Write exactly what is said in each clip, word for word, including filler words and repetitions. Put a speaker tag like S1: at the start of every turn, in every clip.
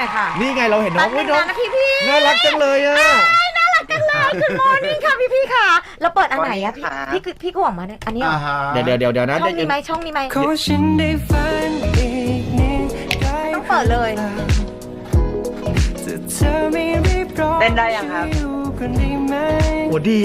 S1: ค่ะ
S2: นี่ไงเราเห็นน้อง
S1: แป๊บนึงนะพี่พี่
S2: น่ารักจังเลยอ่ะ
S1: น่ารักจังเลยคุณโมนี่ค่ะพี่พี่ค่ะแล้วเปิดอันไหนอะพี่พี่พี่ก็หวังมาเนี่ยอันนี้เหรอ
S2: เดี๋ยวเดี๋ยวเดี๋ยวเดี๋ยวนะ
S1: ช่องนี้ไหมช่องนี้ไหมต้องเปิดเลย
S3: เต้นได้ยังครับ
S2: โอ้ดี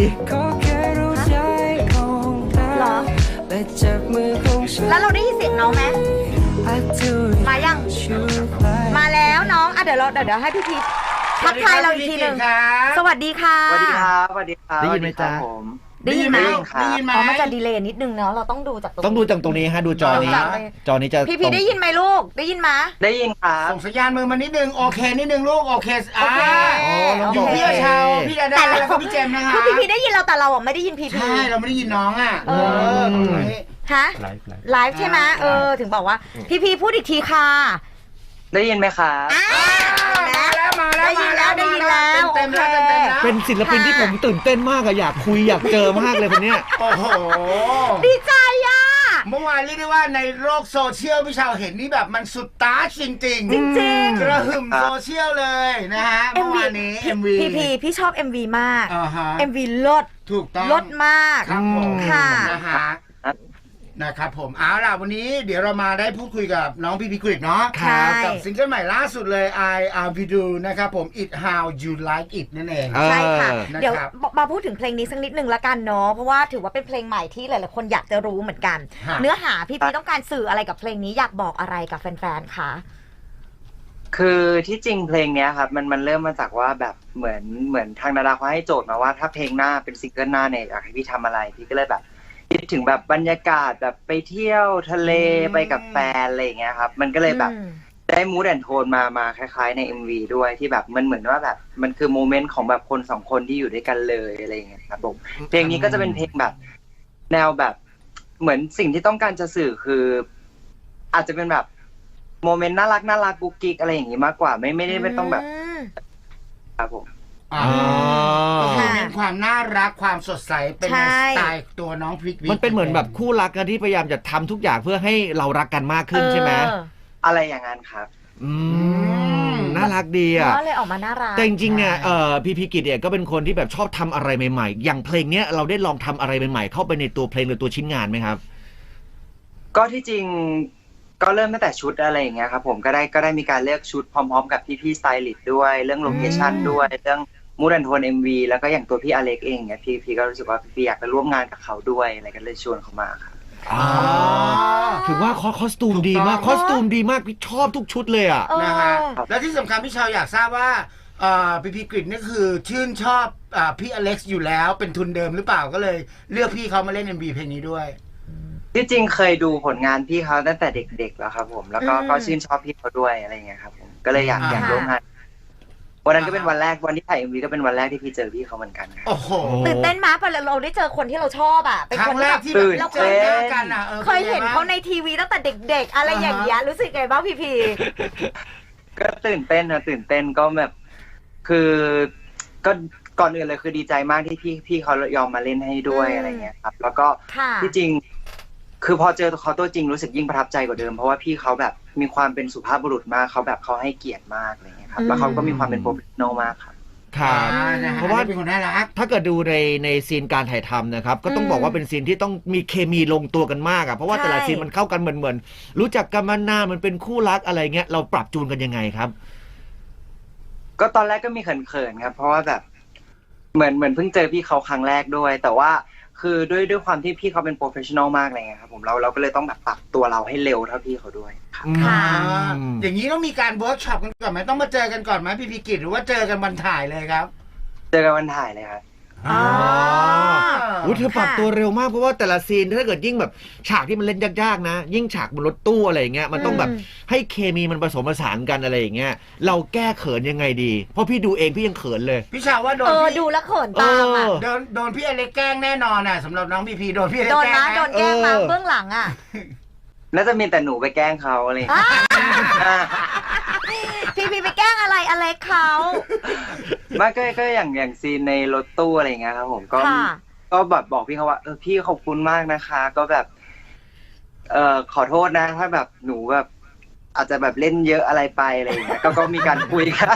S1: เหรอแล้วเราได้ยินเสียงน้องไหมมายังมาแล้วน้องอ่ะเดี๋ยวเราเดี๋ยวเดี๋ยวให้พี่พีทักทายเราอีกทีหนึ่งสวัสดีค่ะ
S3: สวัสดีครับสวัสดีครับ
S2: ได้ยินไหมจ๊ะ
S3: ผม
S1: ได้ยินไหม
S3: ได้ยินไหม
S1: อ๋อมันจะดีเลย์นิดนึงเนาะเราต้องดูจากตรง
S2: ต้องดูจากตรงนี้ฮะดูจอนี้จอนี้จะ
S1: พี่พีได้ยินไหมลูกได้ยินไหม
S3: ได้ยินครับ
S4: ส่งสัญญาณมือมานิดนึงโอเคนิดนึงลูกโอเคอ่าอยู่พี่เชาพี่ดาดาแล้วก็พี่เจมนะคะ
S1: คือพี่พีได้ยินเราแต่เราอ่ะไม่ได้ยินพี่พี
S4: ใช่เราไม่ได้ยินน้องอ่ะเออ
S1: ฮะไลฟ์ใช่ไหมเออถึงบอกว่าพี่พีพูดอีกทีค่ะ
S3: ได้ยินไหมครับ
S4: มาแล้วมาแล้ว
S1: ได้ยินแล้วได้ยินแล้ว
S4: เต็มแล้วเต็มแล้ว
S2: เป็นศิลปินที่ผมตื่นเต้นมากอะอยากคุยอยากเจอมากเลยคนเนี้ย
S4: โอ้โห
S1: ดีใจอ่ะ
S4: เมื่อวานเรียกได้ว่าในโลกโซเชียลพี่ชาวเห็นนี่แบบมันสุดตาจริงจริง
S1: จริง
S4: กระหึ่มโซเชียลเลยนะฮะเมื่อวานนี้ เอ็ม วี
S1: พี่พีพี่ชอบ เอ็ม วี มาก เอ็ม วี ลด
S4: ถูกต้อง
S1: ลดมาก
S4: ครับผม
S1: ค่ะ
S4: นะฮะนะครับผมเอาล่ะวันนี้เดี๋ยวเรามาได้พูดคุยกับน้องพีพีกริดเนาะกับซิงเกิลใหม่ล่าสุดเลย I Am With You นะครับผม It How You Like It นั่นเอง
S1: ใช่ค่ะเดี๋ยวมาพูดถึงเพลงนี้สักนิดนึงละกันเนาะเพราะว่าถือว่าเป็นเพลงใหม่ที่หลายๆคนอยากจะรู้เหมือนกันเนื้อหาพี่พีต้องการสื่ออะไรกับเพลงนี้อยากบอกอะไรกับแฟนๆคะ
S3: คือที่จริงเพลงเนี้ยครับมันมันเริ่มมาจากว่าแบบเหมือนเหมือนทางดาราเขาให้โจทย์มาว่าถ้าเพลงหน้าเป็นซิงเกิลหน้าเนี่ยอยากให้พี่ทำอะไรพี่ก็เลยแบบคิดถึงแบบบรรยากาศแบบไปเที่ยวทะเลไปกับแฟนอะไรอย่างเงี้ยครับมันก็เลยแบบได้มูดแอนโทนมามาคล้ายๆใน เอ็ม วี ด้วยที่แบบมันเหมือนว่าแบบมันคือโมเมนต์ของแบบคนสองคนที่อยู่ด้วยกันเลยอะไรอย่างเงี้ยครับผมเพลงนี้ก็จะเป็นเพลงแบบแนวแบบเหมือนสิ่งที่ต้องการจะสื่อคืออาจจะเป็นแบบโมเมนต์น่ารักน่ารักกุ๊กกิ๊กอะไรอย่างงี้มากกว่าไม่ไม่ได้ไม่ต้องแบบครับผม
S4: อ๋อเป็นความน่ารักความสดใสเป็นสไตล์ตัวน้องพริก
S2: มันเป็นเหมือนแบบคู่รักกันที่พยายามจะทำทุกอย่างเพื่อให้เรารักกันมากขึ้นใช่ไหม
S3: อะไรอย่างนั้นครับ
S2: อืมน่ารักดีอ่ะ
S1: ก็เลยออกมาน่ารัก
S2: แต่จริงๆเนี่ยเอ่อพี่พีกิจเนี่ยก็เป็นคนที่แบบชอบทำอะไรใหม่ๆอย่างเพลงเนี้ยเราได้ลองทำอะไรใหม่ๆเข้าไปในตัวเพลงหรือตัวชิ้นงานไหมครับ
S3: ก็ที่จริงก็เริ่มตั้งแต่ชุดอะไรอย่างเงี้ยครับผมก็ได้ก็ได้มีการเลือกชุดพร้อมๆกับพี่ๆสไตลิสต์ด้วยเรื่องโลเคชั่นด้วยเรื่องมูดแอนโทน เอ็ม วี แล้วก็อย่างตัวพี่อเล็กเองเนี่ยพี่พี่ก็รู้สึกว่าพี่อยากจะร่วมงานกับเขาด้วยอะไรกันเลยชวนเขามาครับ
S2: อ๋อถือว่าคอสตูมดีมากคอสตูมดีมากพี่ชอบทุกชุดเลยอ่ะ
S4: นะฮะแล้วที่สำคัญพี่ชาวอยากทราบว่าพี่พีกริดนี่คือชื่นชอบพี่อเล็กซ์อยู่แล้วเป็นทุนเดิมหรือเปล่าก็เลยเลือกพี่เขามาเล่น เอ็ม วี เพลงนี้ด้วย
S3: ที่จริงเคยดูผลงานพี่เขาตั้งแต่เด็กๆแล้วครับผมแล้วก็ก็ชื่นชอบพี่เขาด้วยอะไรอย่างเงี้ยครับผมก็เลยอยากอยากร่วมงานวันนั้นก็เป็นวันแรกวันที่ถ่าย เอ็ม วี ก็เป็นวันแรกที่พี่เจอพี่เขาเหมือนกันครับ
S4: โอ้โห
S1: ตื่นเต้นมากเพราะเราได้เจอคนที่เราชอบอ่ะ
S4: เป็นคนแรกที่เราเคยเจอกันอ่ะ
S1: เคยเห็นเขาในทีวีตั้งแต่เด็กๆอะไรอย่างเงี้ยรู้สึกไงบ้างพี่พี
S3: ก็ตื่นเต้นนะตื่นเต้นก็แบบคือก็ก่อนอื่นเลยคือดีใจมากที่พี่พี่เขายอมมาเล่นให้ด้วยอะไรเงี้ยครับแล้วก็ที่จริงคือพอเจอเขาตัวจริงรู้สึกยิ่งประทับใจกว่าเดิมเพราะว่าพี่เขาแบบมีความเป็นสุภาพบุรุษมากเขาแบบเขาให้เกียรติมากอะไรเงี้ยครับแล้วเขาก็มีความเป็นโปรเฟชชั่นอลมากครับ
S2: ครับเพราะว่า
S4: เป็นคนน่ารัก
S2: ถ้าเกิดดูในในซีนการถ่ายทำนะครับก็ต้องบอกว่าเป็นซีนที่ต้องมีเคมีลงตัวกันมากอ่ะเพราะว่าแต่ละซีนมันเข้ากันเหมือนเหมือนรู้จักกันมานานมันเป็นคู่รักอะไรเงี้ยเราปรับจูนกันยังไงครับ
S3: ก็ตอนแรกก็มีเขินๆครับเพราะว่าแบบเหมือนเหมือนเพิ่งเจอพี่เขาครั้งแรกด้วยแต่ว่าคือด้วยด้วยความที่พี่เขาเป็นโปรเฟชชั่นอลมากเลยครับผมเราเราก็เลยต้องแบบปรับตัวเราให้เร็วเท่าพี่เขาด้วย
S1: ค่ะ
S4: อย่างนี้ต้องมีการเวิร์กช็อปกันก่อนไหมต้องมาเจอกันก่อนไหมพี่พีกิจหรือว่าเจอกันวันถ่ายเลยครับ
S3: เจอกันวันถ่ายเลยครับ
S2: อ๋ออุ้ยเธอปรับตัวเร็วมากเพราะว่าแต่ละซีนถ้าเกิดยิ่งแบบฉากที่มันเล่นยากๆนะยิ่งฉากบนรถตู้อะไรอย่างเงี้ยมันต้องแบบให้เคมีมันผสมผสานกันอะไรอย่างเงี้ยเราแก้เขินยังไงดีเพราะพี่ดูเองพี่ยังเขินเลย
S4: พี่ชาวว่าโดน
S1: พี่ดูแล้วเขินตามอ่ะ
S4: โดนโดนพี่อเล็กแกล้งแน่นอนอ่ะสำหรับน้องพีพีโดนพี่อเล็ก
S1: แกล้งโดนแกล้งมาเบื้องหลังอ่ะ
S3: น่าจะมีแต่หนูไปแกล้งเขาอะไร
S1: พี่พีไปแกล้งอะไรอเล็กเขา
S3: ไม่ก็ก็อย่างอย่างซีนในรถตู้อะไรอย่างเงี้ยครับผมก็ก็แบบบอกพี่เขาว่าเออพี่ขอบคุณมากนะคะก็แบบเอ่อขอโทษนะถ้าแบบหนูแบบอาจจะแบบเล่นเยอะอะไรไปอะไรอย่างเงี้ยก็ก็มีการคุยกัน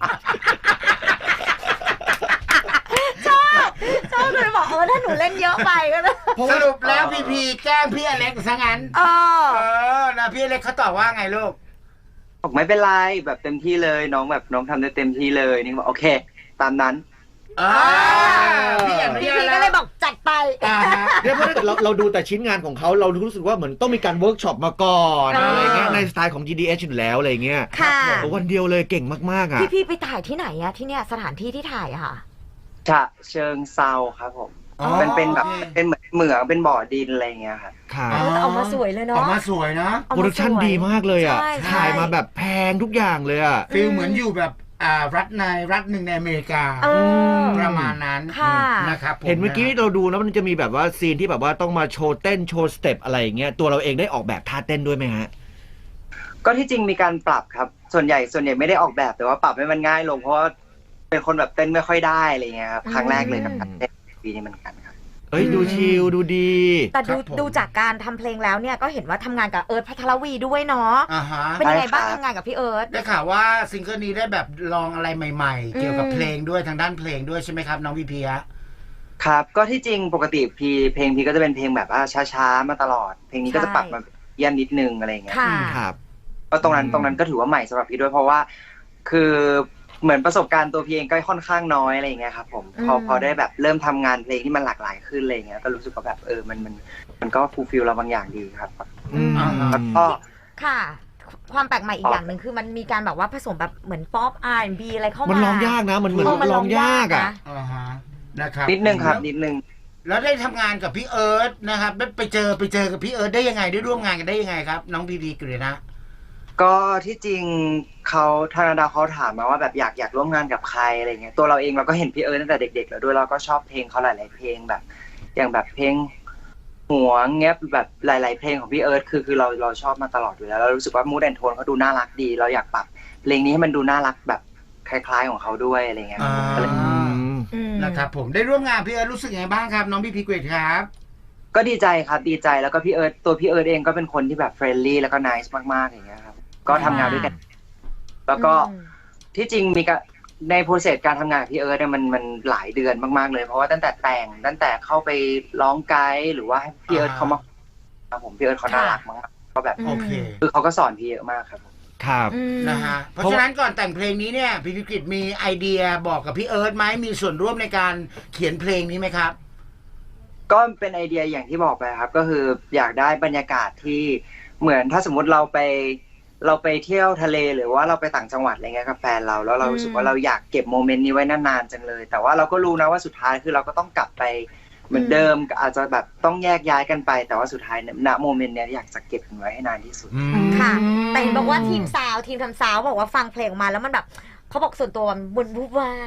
S1: ชอบเลยบอกเออถ้าหนูเล่นเยอะไปก็ได้
S4: สรุปแล้วพีพีแกล้งพี่อเล็กซะงั้น
S1: เออ
S4: เออนะพี่อเล็กเขาตอบว่าไงลูก
S3: บอกไม่เป็นไรแบบเต็มที่เลยน้องแบบน้องทำได้เต็มที่เลยนี่บอกโอเค ตามนั้น
S4: อ่าพี่อนุ
S1: พี่
S4: ญาต
S1: พี
S4: แล้
S1: ก็
S4: ว
S1: เลยบอกจัดไป
S4: อ่าฮะ
S2: เนี่ยเพราะถ้าเกิดเราเราดูแต่ชิ้นงานของเขาเรารู้สึกว่าเหมือนต้องมีการเวิร์กช็อปมาก่อน
S1: อ่า
S2: อะไรเงี้ยในสไตล์ของ จี ดี เอช อยู่แล้วอะไรเงี้ย
S1: ค่ะ
S2: โอ้วันเดียวเลยเก่งมากๆอ่ะ
S1: พี่พีไปถ่ายที่ไหนอะที่เนี่ยสถานที่ที่ถ่ายอะค่ะ
S3: ฉะเชิงเซาครับผม
S4: อ๋อ
S3: มันเป็นแบบ
S4: โอเค
S3: เป็นเหมือนเหมืองเป็นบ่อดินอะไรอย่างเงี้ยครับ
S2: ค่ะ
S1: เออแต่เอามาสวยเลยเนาะ
S4: ออกมาสวยนะ
S1: เอา
S2: โปร
S1: มา
S2: ดักชั่น
S1: สวย
S2: ดีมากเลยอ่ะ
S1: ใช่ใช่
S2: ถ่ายมาแบบแพงทุกอย่างเลยอ่ะ
S4: ฟีลเหมือนอยู่แบบอ่ารัฐในรัฐหนึ่งในอเมริกา
S1: เออ
S4: ประมาณนั้น
S1: ค่ะ
S4: นะครับผ
S2: เห็นเมื่อกี้เราดูแล้วมันจะมีแบบว่าซีนที่แบบว่าต้องมาโชว์เต้นโชว์สเต็ปอะไรอย่างเงี้ยตัวเราเองได้ออกแบบท่าเต้นด้วยไหมฮะ
S3: ก็ที่จริงมีการปรับครับ ส่วนใหญ่ส่วนใหญ่ไม่ได้ออกแบบแต่ว่าปรับให้มันง่ายลงเพราะว่าเป็นคนแบบเต้นไม่ค่อยได้อะไรเงี้ยครับครั้งแรกเลยกับการเต้นปีนี้เหมือนกันครับ
S2: เอ้ยดูชิลดูดี
S1: แต่ดู
S4: ครับผม
S1: ดูจากการทำเพลงแล้วเนี่ยก็เห็นว่าทำงานกับเอิร์ธพัทรวีด้วยเนาะ
S4: อ่าฮะ
S1: เป็นยังไงบ้าง
S3: ได้ครับ
S1: ทำงานกับพี่เอิร์ธ
S4: ได้ข่าวว่าซิงเกิลนี้ได้แบบลองอะไรใหม่ๆ เกี่ยวกับ
S1: อืม
S4: เพลงด้วยทางด้านเพลงด้วยใช่ไหมครับน้องพีพีฮะ
S3: ครับก็ที่จริงปกติพีเพลงพีก็จะเป็นเพลงแบบว่าช้าๆมาตลอด เพลงนี้ก็จะปรับมาเยี่ยมนิดนึงอะไรเงี้ย
S1: ค่ะ
S2: ครับ
S3: ก็ตรงนั้น
S2: อืม
S3: ตรงนั้นก็ถือว่าใหม่สำหรับพี่ด้วยเพราะว่า คือเหมือนประสบการณ์ตัวพี่เองก็ค่อนข้างน้อยอะไรอย่างเงี้ยครับผมพอ
S1: อืม
S3: พอได้แบบเริ่มทำงานเพลงที่มันหลากหลายขึ้นอะไรเงี้ยก็รู้สึกว่าแบบเออมันมันมันก็ฟูลฟิลเราบางอย่างดีครับ
S2: อืม
S4: อ่าฮะ
S3: แล้วก็
S1: ค่ะ ความแปลกใหม่อีกอย่างหนึ่งคือมันมีการแบบว่าผสมแบบเหมือนป๊อป อาร์ แอนด์ บี อะไรเข้ามา
S2: มัน
S1: มัน
S2: ร้องยากนะมันเหมือน
S1: เออมัน
S2: ร้องยากอ่ะ
S1: นะ
S4: อ่าฮะนะครับ
S3: นิดนึงครับ
S4: แล้ว
S3: นิดนึง
S4: แล้วได้ทำงานกับพี่เอิร์ธนะครับได้ไปเจอไปเจอกับพี่เอิร์ธได้ยังไงได้ร่วมงานกันได้ยังไงครับน้องพีพีกฤษณะ
S3: ก็ที่จริงเขาธนาดาเขาถามมาว่าแบบอยากอยากร่วมงานกับใครอะไรเงี้ยตัวเราเองเราก็เห็นพี่เอิร์ธตั้งแต่เด็กๆแล้วด้วยเราก็ชอบเพลงเขาหลาย ๆ เพลงแบบ อย่างแบบเพลงหัวเงี้ยแบบหลาย ๆ เพลงของพี่เอิร์ธคือคือเราเราชอบมาตลอดอยู่แล้วเรารู้สึกว่ามูดแอนโทนเขาดูน่ารักดี เราอยากปรับเพลงนี้ให้มันดูน่ารักแบบคล้าย ๆ ของเขาด้วยอะไรเงี้ย
S4: อ่า
S3: ก็เลย
S1: อืม
S4: นะครับผมได้ร่วมงานพี่เอิร์ธรู้สึกยังไงบ้างครับน้องพีพีกฤษครับ
S3: ก็ดีใจครับดีใจแล้วก็พี่เอิร์ธตัวพี่เอิร์ธเองก็เป็นคนที่แบบเฟรนลี่แล้วก็น่าส์มากๆอย่างเงี้ยครับก็ทำงานด้วยกัน แล้วก็
S1: อืม
S3: ที่จริงมีการในโปรเซสการทำงานกับพี่เอิร์ธเนี่ยมันมันหลายเดือนมากๆเลย เพราะว่าตั้งแต่แต่งตั้งแต่เข้าไปร้องไกด์หรือว่าให้พี่เอิร์ธเขามาครับผมพี่เอิร์ธเขาน่ารักมากก็แบบ
S4: โอเค
S3: คือเขาก็สอนพี่เยอะมากครับผม
S2: ครับ
S1: อืม
S4: นะฮะเพราะฉะนั้นก่อนแต่งเพลงนี้เนี่ยพีพีกฤษมีไอเดียบอกกับพี่เอิร์ธไหมมีส่วนร่วมในการเขียนเพลงนี้ไหมครับ
S3: ก็เป็นไอเดียอย่างที่บอกไปครับ ก็คืออยากได้บรรยากาศที่เหมือนถ้าสมมุติเราไปเราไปเที่ยวทะเลหรือว่าเราไปต่างจังหวัดอะไรเงี้ยกับแฟนเราแล้วเรารู้สึกว่าเราอยากเก็บโมเมนต์นี้ไว้นานๆจังเลย แต่ว่าเราก็รู้นะว่าสุดท้ายคือเราก็ต้องกลับไปเหมือนเดิมอาจจะแบบต้องแยกย้ายกันไป แต่ว่าสุดท้ายณโมเมนต์เนี้ยอยากจะเก็บมันไว้ให้นานที่สุด
S1: ค่ะ แต่เห็นบอกว่าทีมซาวด์ทีมทำซาวด์บอกว่าฟังเพลงออกมาแล้วมันแบบเขาบอกส่วนตัวมันบุญบุบว่า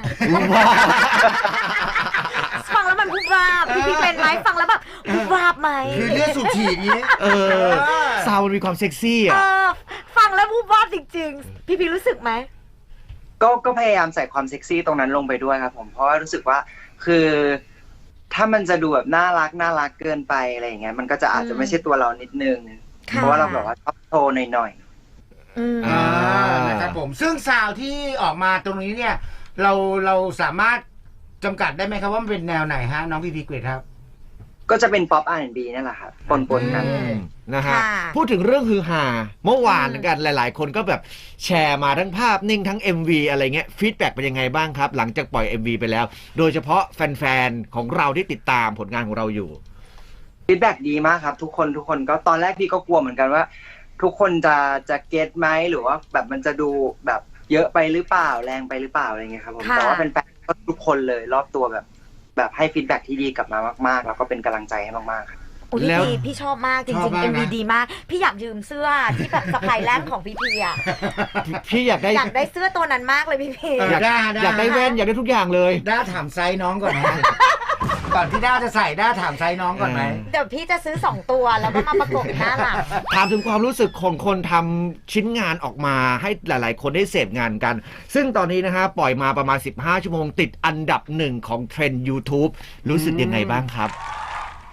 S1: บฟังแล้วมันบุบวาบพี่พี่เป็นไหมฟังแล้วแบบบุบวาบไหม
S4: คือเลือดสูบฉีดนี้
S2: เออซาวด์มันมีความเซ็กซี่
S1: เอ
S2: อ่ะ
S1: อฟังแล้วบุบวาบจริงๆ พี่พี่รู้สึกไหม
S3: ก็ก็พยายามใส่ความเซ็กซี่ตรงนั้นลงไปด้วยครับผมเพราะว่ารู้สึกว่าคือถ้ามันจะดูแบบน่ารักน่ารักเกินไปอะไรอย่างเงี้ยมันก็จะอาจจะไม่ใช่ตัวเรานิดนึง
S1: ค่ะ
S3: เพราะว่าเราแบบว่าชอบโชว์หน่อย
S1: อืม
S2: อ่า
S4: นะครับผมซึ่งซาวด์ที่ออกมาตรงนี้เนี่ยเราเราสามารถจำกัดได้ไหมครับว่ามันเป็นแนวไหนฮะน้องพีพีกฤษครับ
S3: ๆก็จะเป็นป๊อป อาร์ แอนด์ บี นั่นแหละครับปนๆกัน
S2: อืมนะฮะ
S1: ค่ะ
S2: พูดถึงเรื่องฮือฮาเมื่อวาน
S1: อืม
S2: กันหลาย ๆ คนก็แบบแชร์มาทั้งภาพนิ่งทั้ง เอ็ม วี อะไรเงี้ยฟีดแบ็กเป็นยังไงบ้างครับ หลังจากปล่อย เอ็ม วี ไปแล้ว โดยเฉพาะแฟน ๆ ของเราที่ติดตามผลงานของเราอยู่
S3: ฟีดแบ็กดีมากครับทุกคนทุกคนก็ตอนแรกพี่ก็กลัวเหมือนกันว่า ทุกคนจะจะเก็ตไหมหรือว่าแบบมันจะดูแบบเยอะไปหรือเปล่าแรงไปหรือเปล่าอะไรเงี้ยครับผม
S1: ค่ะ
S3: แต่ว่าเป็นแฟนๆก็ทุกคนเลยรอบตัวแบบ แบบให้ฟีดแบ็กที่ดีกลับมามากๆแล้วก็เป็นกำลังใจให้มากๆครับ
S1: อุ๊ย
S2: แล้ว
S1: พี่พี่ชอบมากจ
S4: ชอ
S1: ริ
S4: บ
S1: ง
S4: มา
S1: ๆ
S4: ก
S1: เอ็ม
S4: นะ
S1: วีดีมาก พี่อยากยืมเสื้อที่แบบสะพายแรกของพี่พีอ่ะ
S2: พี่อยากได้
S1: อยากได้เสื้อตัวนั้นมากเลยพี่พี
S4: เอ
S2: อยาก
S4: ได้ได้
S2: อยากได้แว่นอยากได้ทุกอย่างเลย
S4: ด้าถามไซส์น้องก่อนนะ ก่อนที่ด้าจะใส่ด้าถามไซส์น้องก่อนไหม
S1: เดี๋ยวพี่จะซื้อสองตัวแล้วก็มาประกบหน้าหลัง
S2: ถามถึงความรู้สึกของคนทำชิ้นงานออกมาให้หลาย ๆ คนได้เสพงานกัน ซึ่งตอนนี้นะฮะปล่อยมาประมาณสิบห้าชั่วโมงติดอันดับหนึ่งของเทรนด์ YouTube รู้สึกยังไงบ้างครับ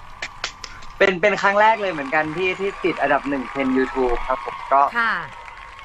S3: เป็นเป็นครั้งแรกเลยเหมือนกันที่ที่ติดอันดับหนึ่งเทรนด์ YouTube ครับผมก็
S1: ค่ะ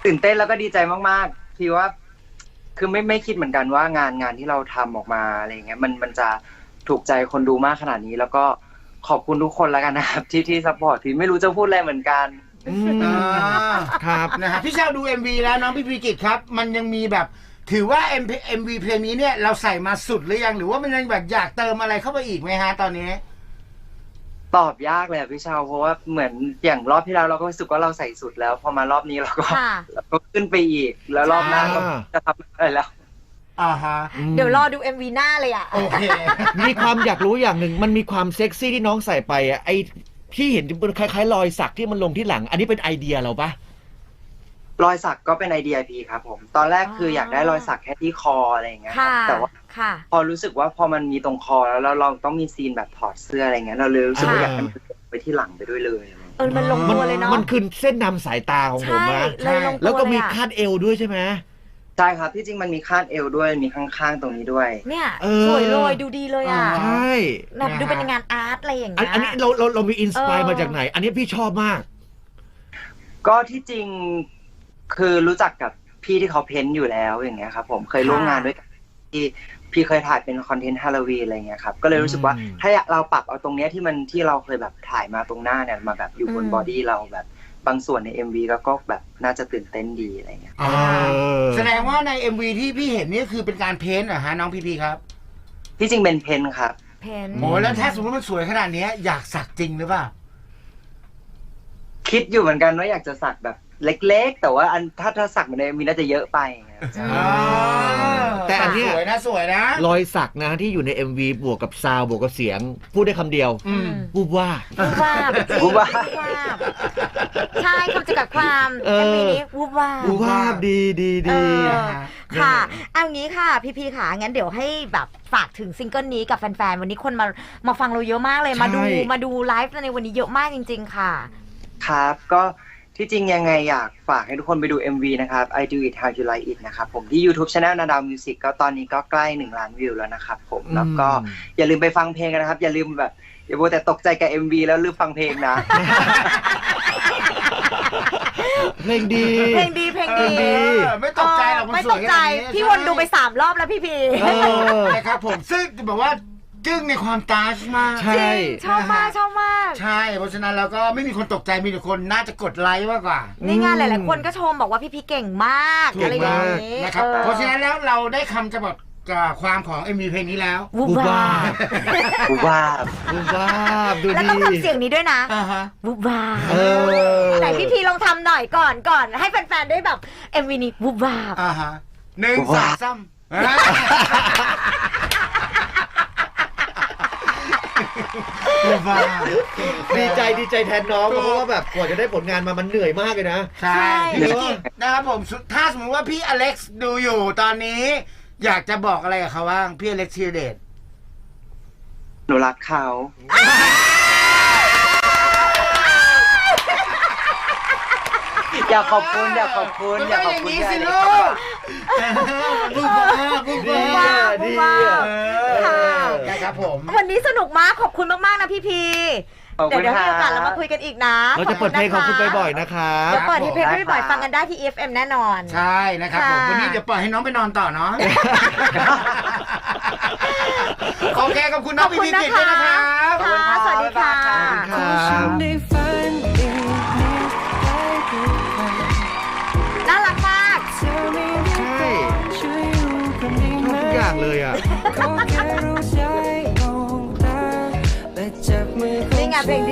S3: ตื่นเต้นแล้วก็ดีใจมากๆพี่ว่าคือไม่ไม่คิดเหมือนกันว่างานงานที่เราทำออกมาอะไรเงี้ยมันมันจะถูกใจคนดูมากขนาดนี้ แล้วก็ขอบคุณทุกคนแล้วกันนะครับที่ที่ซัพพอร์ตพี่ไม่รู้จะพูดอะไรเหมือนกัน
S4: อ่า
S2: ครับ
S4: นะฮะพี่เชาดู เอ็ม วี แล้วน้องพี่พีกิจครับ มันยังมีแบบถือว่า เอ็ม วี เพลงนี้เนี่ยเราใส่มาสุดหรือยังหรือว่ามันยังแบบอยากเติมอะไรเข้าไปอีกไหมฮะตอนนี้
S3: ตอบยากเลยอะพี่เชาเพราะว่าเหมือนอย่างรอบที่แล้วเราก็รู้สึกว่าเราใส่สุดแล้วพอมารอบนี้เราก็
S1: ค่ะ
S3: เราก็ขึ้นไปอีก แล้วรอบหน้าก็จะทำอะไรแล้ว
S4: อ่าฮะ
S1: เดี๋ยวรอดู เอ็ม วี หน้าเลยอ่ะ
S4: โอเค
S2: มีความอยากรู้อย่างหนึ่งมันมีความเซ็กซี่ที่น้องใส่ไปอ่ะไอที่เห็นเป็นคล้ายๆรอยสักที่มันลงที่หลัง อันนี้เป็นไอเดียเราปะ
S3: รอยสักก็เป็นไอเดียพี่ครับผมตอนแรกคืออยากได้รอยสักแค่ที่คออะไรอย่างเงี้ยครับ
S1: ค่ะ
S3: แต่ว่า
S1: ค่ะ
S3: พอรู้สึกว่าพอมันมีตรงคอแล้วเราเราต้องมีซีนแบบถอดเสื้ออะไรเงี้ยเราเลยรู้สึกว่าอยากให้มันไปที่หลังไปด้วยเลย
S1: เออมันลงตัวเลยเนาะ
S2: มันคือเส้นนำสายตาของผม
S1: ใช่
S2: นะ
S1: เลยลงตัว
S2: แล้วก็มี
S1: เยอะ
S2: คาดเอวด้วยใช่ไหม
S3: ใช่ครับที่จริงมันมีคาดเอวด้วยมีข้างๆตรงนี้ด้วย
S1: เนี่ย
S2: เออ
S1: สวยเลยดูดีเลยอ่ะ
S2: ใช่
S1: แบบดูเป็นงานอาร์ตอะไรอย่าง
S2: อัน
S1: เงี้ย
S2: อันนี้เราเราเรามีอินสปาย
S1: เออ
S2: มาจากไหน อันนี้พี่ชอบมาก
S3: ก็ที่จริงคือรู้จักกับพี่ที่เขาเพ้นท์อยู่แล้วอย่างเงี้ยครับผมเคยร่วมงานด้วยกันที่พี่เคยถ่ายเป็นคอนเทนต์ฮาโลวีนอะไรเงี้ยครับก็เลยรู้สึกว่า
S2: อืม
S3: ถ้าเราปรับเอาตรงเนี้ยที่มันที่เราเคยแบบถ่ายมาตรงหน้าเนี่ยมาแบบอยู่บนบอดี้เราแบบบางส่วนใน เอ็ม วี แล้วก็แบบน่าจะตื่นเต้นดีอะไรเงี้ย
S4: อ่า
S2: เออ
S4: แสดงว่าใน เอ็ม วี ที่พี่เห็นนี่คือเป็นการเพ้นท์เหรอฮะน้องพีพีครับ
S3: ที่จริงเป็นเพ้นท์ครับ
S1: เพน
S4: โอ้แล้วถ้าสมมติมันสวยขนาดนี้อยากสักจริงหรือเปล่า
S3: คิดอยู่เหมือนกันว่าอยากจะสักแบบเล็กๆ แต่ว่าอันถ้าถ้าสักเหมือนใน เอ็ม วี น่าจะเยอะไปไง
S4: อ่า
S2: แต่อันเนี้ย
S4: สวยนะสวยนะ
S2: รอยสักนะที่อยู่ใน เอ็ม วี บวกกับซาวด์บวกกับเสียง พูดได้คำเดียว
S4: อืม
S2: วูบว่า
S1: วูบวาบจริง
S3: วูบวาบ
S1: วูบวาบใช่คำจำกัดความ
S2: เออ
S1: เอ็มวีนี้วูบวาบ
S2: วูบว่าดีดี
S1: เอ
S2: ดี
S1: อ
S4: นะฮะ
S1: ค่ะเอางี้ค่ะ พี่พีค่ะ งั้นเดี๋ยวให้แบบฝากถึงซิงเกิลนี้กับแฟนๆ วันนี้คนมามาฟังเราเยอะมากเลย มาดู
S2: ใช่
S1: มาดูไลฟ์ในวันนี้เยอะมากจริง ๆ ค่ะ
S3: ครับก็ที่จริงยังไงอยากฝากให้ทุกคนไปดู เอ็ม วี นะครับ I Do It How You Like It นะครับผมที่ YouTube Channel นาดาวมิวสิกก็ตอนนี้ก็ใกล้หนึ่งล้านวิวแล้วนะครับผมแล้วก็อย่าลืมไปฟังเพลงกันนะครับ อย่าลืมแบบอย่าโบแต่ตกใจกับ เอ็ม วี แล้วลืมฟังเพลงนะ
S2: เพลงดี
S1: เพลงดีเพลงดี
S4: เออไม่ตกใจหรอกมัน
S1: ไม่
S4: ส
S1: ต
S4: วย
S1: ก
S4: ข
S1: ใจ
S4: นาดนี้
S1: พี่วนดูไปสามรอบแล้วพี่พี
S2: เออ
S4: นะครับผมซึ่งแบบว่าจึ้งในความตาชมาก
S2: ใช่
S1: จริงชอบมากชอบมาก
S4: ใช่เพราะฉะนั้นแล้วก็ไม่มีคนตกใจมีแต่คนน่าจะกดไลค์มากกว่า
S1: นี่งานหลาย ๆ คนก็ชมบอกว่าพี่พีเก่งมาก
S4: ถูก
S1: อะไรอย่างนี้
S4: นะครับ
S1: ออ
S4: เพราะฉะนั้นแล้วเราได้คำจะบอกกับความของ เอ็ม วี เพลงนี้แล้ว
S1: วูบวาบ
S3: กูว่า
S2: วูบว่าดู
S1: แล้ว
S2: ดี
S1: ต้องทำเสียงนี้ด้วยนะ
S4: อ่าฮะ
S1: วูบวาบ
S2: เออ
S1: ไหนพี่พีลองทำหน่อยก่อนก่อน ให้แฟน ๆ ได้แบบ เอ็ม วี นี้วูบวาบ
S4: อ่าฮะหนึ่งสองสามว้าว
S2: ดีใจดีใจแทนน้องเพราะว่าแบบกว่าจะได้ผลงานมามันเหนื่อยมากเลยนะ
S4: ใช่พี่กิจนะครับผมสุดถ้าสมมติว่าพี่อเล็กซ์ดูอยู่ตอนนี้ อยากจะบอกอะไรกับเขาบ้างพี่อเล็กซ์ธีรเดช
S3: หนูรักเขา อยากขอบคุณอยากขอบคุณอยากขอบคุณ
S4: มัน
S3: ที่
S4: ก็
S3: ให้
S4: อย่างนี้สิ
S3: ได้
S4: ลู
S3: เข้าก มา
S4: พูดมาพูด
S2: ดี
S4: มา
S2: อ่ะดี
S1: ว้า
S2: อ่ะ
S1: ว ค่ะ
S4: นะครับผม
S1: วันนี้สนุกมากขอบคุณมาก ๆ นะพี่พี
S3: ขอบ
S1: เดี๋ย
S3: คุ
S1: ว
S3: ณ
S1: เดี๋ยว
S3: ค
S1: มี
S3: รั
S1: โอกาสเรามา
S3: บ
S1: คุยกันอีกนะ
S2: เราจะเปิดเพลงของคุณบ่อยๆนะครั
S1: เดี๋
S2: บ
S1: ยวเปิดที่เพลง
S3: ได้
S1: พี่บ่อย
S3: ครับ
S1: ฟังกันได้ที่ อี เอฟ เอ็ม แน่นอน
S4: ใช่นะครับผม
S1: ค่ะ
S4: วันนี้เดี๋ยวปล่อยให้น้องไปนอนต่อเนาะ โอเคขอบคุณน้องพีพีกิจด้วยนะครับ
S1: ค่ะ สวัสดีค่ะ
S2: ขอบคุณครับ
S1: น่ารักมาก
S2: ใช่ชอบทุกอย่างเลยอ่ะ
S1: นี่ไงเพลงดี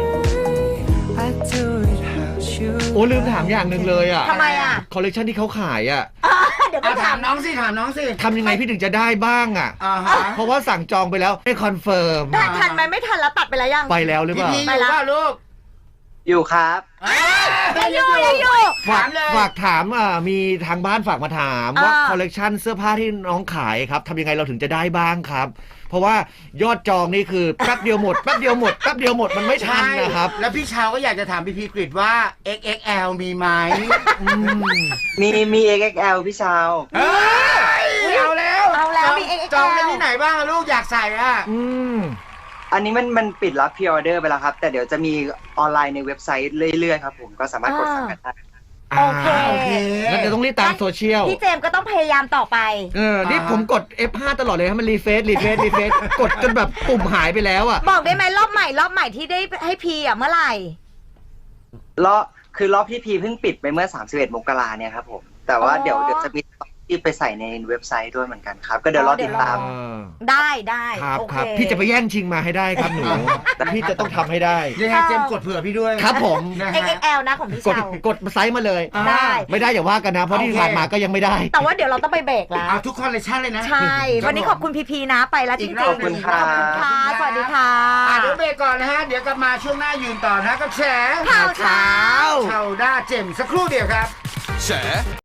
S2: โอ้ลืมถามอย่างหนึ่งเลยอ่ะ
S1: ทำไมอ่ะ
S2: คอลเลกชันที่เขาขายอ่ะ
S1: เดี๋ยวไป
S4: อ่ะ
S1: ถา
S4: ถาม มน้องสิถามน้องสิ
S2: ทำยังไงพี่ถึงจะได้บ้างอ่ะ
S4: อ่าฮะ
S2: เพราะว่าสั่งจองไปแล้วไม่คอนเฟิร์ม
S1: ได้ทันไหมไม่ทันแล้วตัดไปแล้วยัง
S2: ไปแล้วหรือ
S4: พี
S2: เปล่า
S4: พีอยู่ว่าลูก
S3: อยู่ครับ
S1: ยังอยู่ยังอยู่
S2: ฝาก
S4: ถามเลย
S2: ฝากถามอ่ะมีทางบ้านฝากมาถามว่า
S1: อ่า
S2: คอลเลกชันเสื้อผ้าที่น้องขายครับทำยังไงเราถึงจะได้บ้างครับ เพราะว่ายอดจองนี่คือแป๊บเดียวหมดแป๊บเดียวหมดแป๊บเดียวหมดมันไม่ทันนะครับ
S4: แล้วพี่ชาวก็อยากจะถามพีพีกฤษว่า เอ็กซ์ เอ็กซ์ แอล มีไหม
S2: อืม
S3: มีมี เอ็กซ์ เอ็กซ์ แอล พี่ชาว
S4: เฮ้ยเอาแล้ว
S1: เอาแล้ว
S4: จง
S1: มี เอ็กซ์ เอ็กซ์
S4: จอง
S1: แอล
S4: ได้ที่ไหนบ้างอะลูกอยากใส่อ่ะ
S2: อืม
S3: อันนี้มันมันปิดรับพรีออเดอร์ไปแล้วครับ แต่เดี๋ยวจะมีออนไลน์ในเว็บไซต์เรื่อยๆครับผมก็สามารถกดสั่งกันได้
S1: โอเค
S2: า
S4: โอเค
S2: งั้นเดี๋ยวต้องรีบตามโซเชียล
S1: พี่เจมส์ก็ต้องพยายามต่อไป
S2: เออ นี่ผมกด เอฟ ห้า ตลอดเลยให้มันรีเฟซรีเฟซรีเฟซกดจนแบบปุ่มหายไปแล้วอ่ะ
S1: บอกได้ไหมรอบใหม่รอบใหม่ที่ได้ให้พีอ่ะเมื่อไหร่
S3: รอบคือรอบที่พีเพิ่งปิดไปเมื่อสามสิบเอ็ดมกราเนี่ยครับผมแต่ว่า
S1: อ๋อ
S3: เดี๋ยวเดี๋ยวจะมีที่ไปใส่ในเว็บไซต์ด้วยเหมือนกันครับ ก็เดี๋ยวรอติดตาม
S2: เออ
S1: ได้ได้
S2: ครับ
S1: โอ
S2: ค
S1: เค
S2: รับ พี่จะไปแย่งชิงมาให้ได้ครับหนู พี่จะต้องทำให้ได้
S4: ยังไงเจมส์กดเผื่อพี่ด้วย
S2: ครับผม
S4: นะ
S1: เอ็ก
S4: ฮะ
S1: เอ็กแอลนะของพี่
S2: กด
S1: เชาก
S2: ดไซส์มาเลย
S4: อ่า
S1: ได้
S2: ไม่ได้อย่าว่ากันนะ เพราะที่
S4: โอเค
S2: ผ่านมาก็ยังไม่ได้
S1: แต่ว่าเดี๋ยวเราต้องไปเบรกแล้ว
S4: เอาทุกคอนเลคชั่นเลยนะ
S1: ใช่ วันนี้ขอบคุณพีพีนะไปแล้วจริงๆ
S4: อีกรอบหนึ่ง
S1: ขอบคุณค่ะ สวัสดีค่ะ
S4: อ่ะเดี๋ยวเบรกก่อนนะฮะ เดี๋ยวกลับมาช่วงหน้ายืนต่อนะกับแฉ
S1: ข่าวเช้า
S4: ข่าวด้าเจมส์สักครู่เดียวครับ
S5: แฉ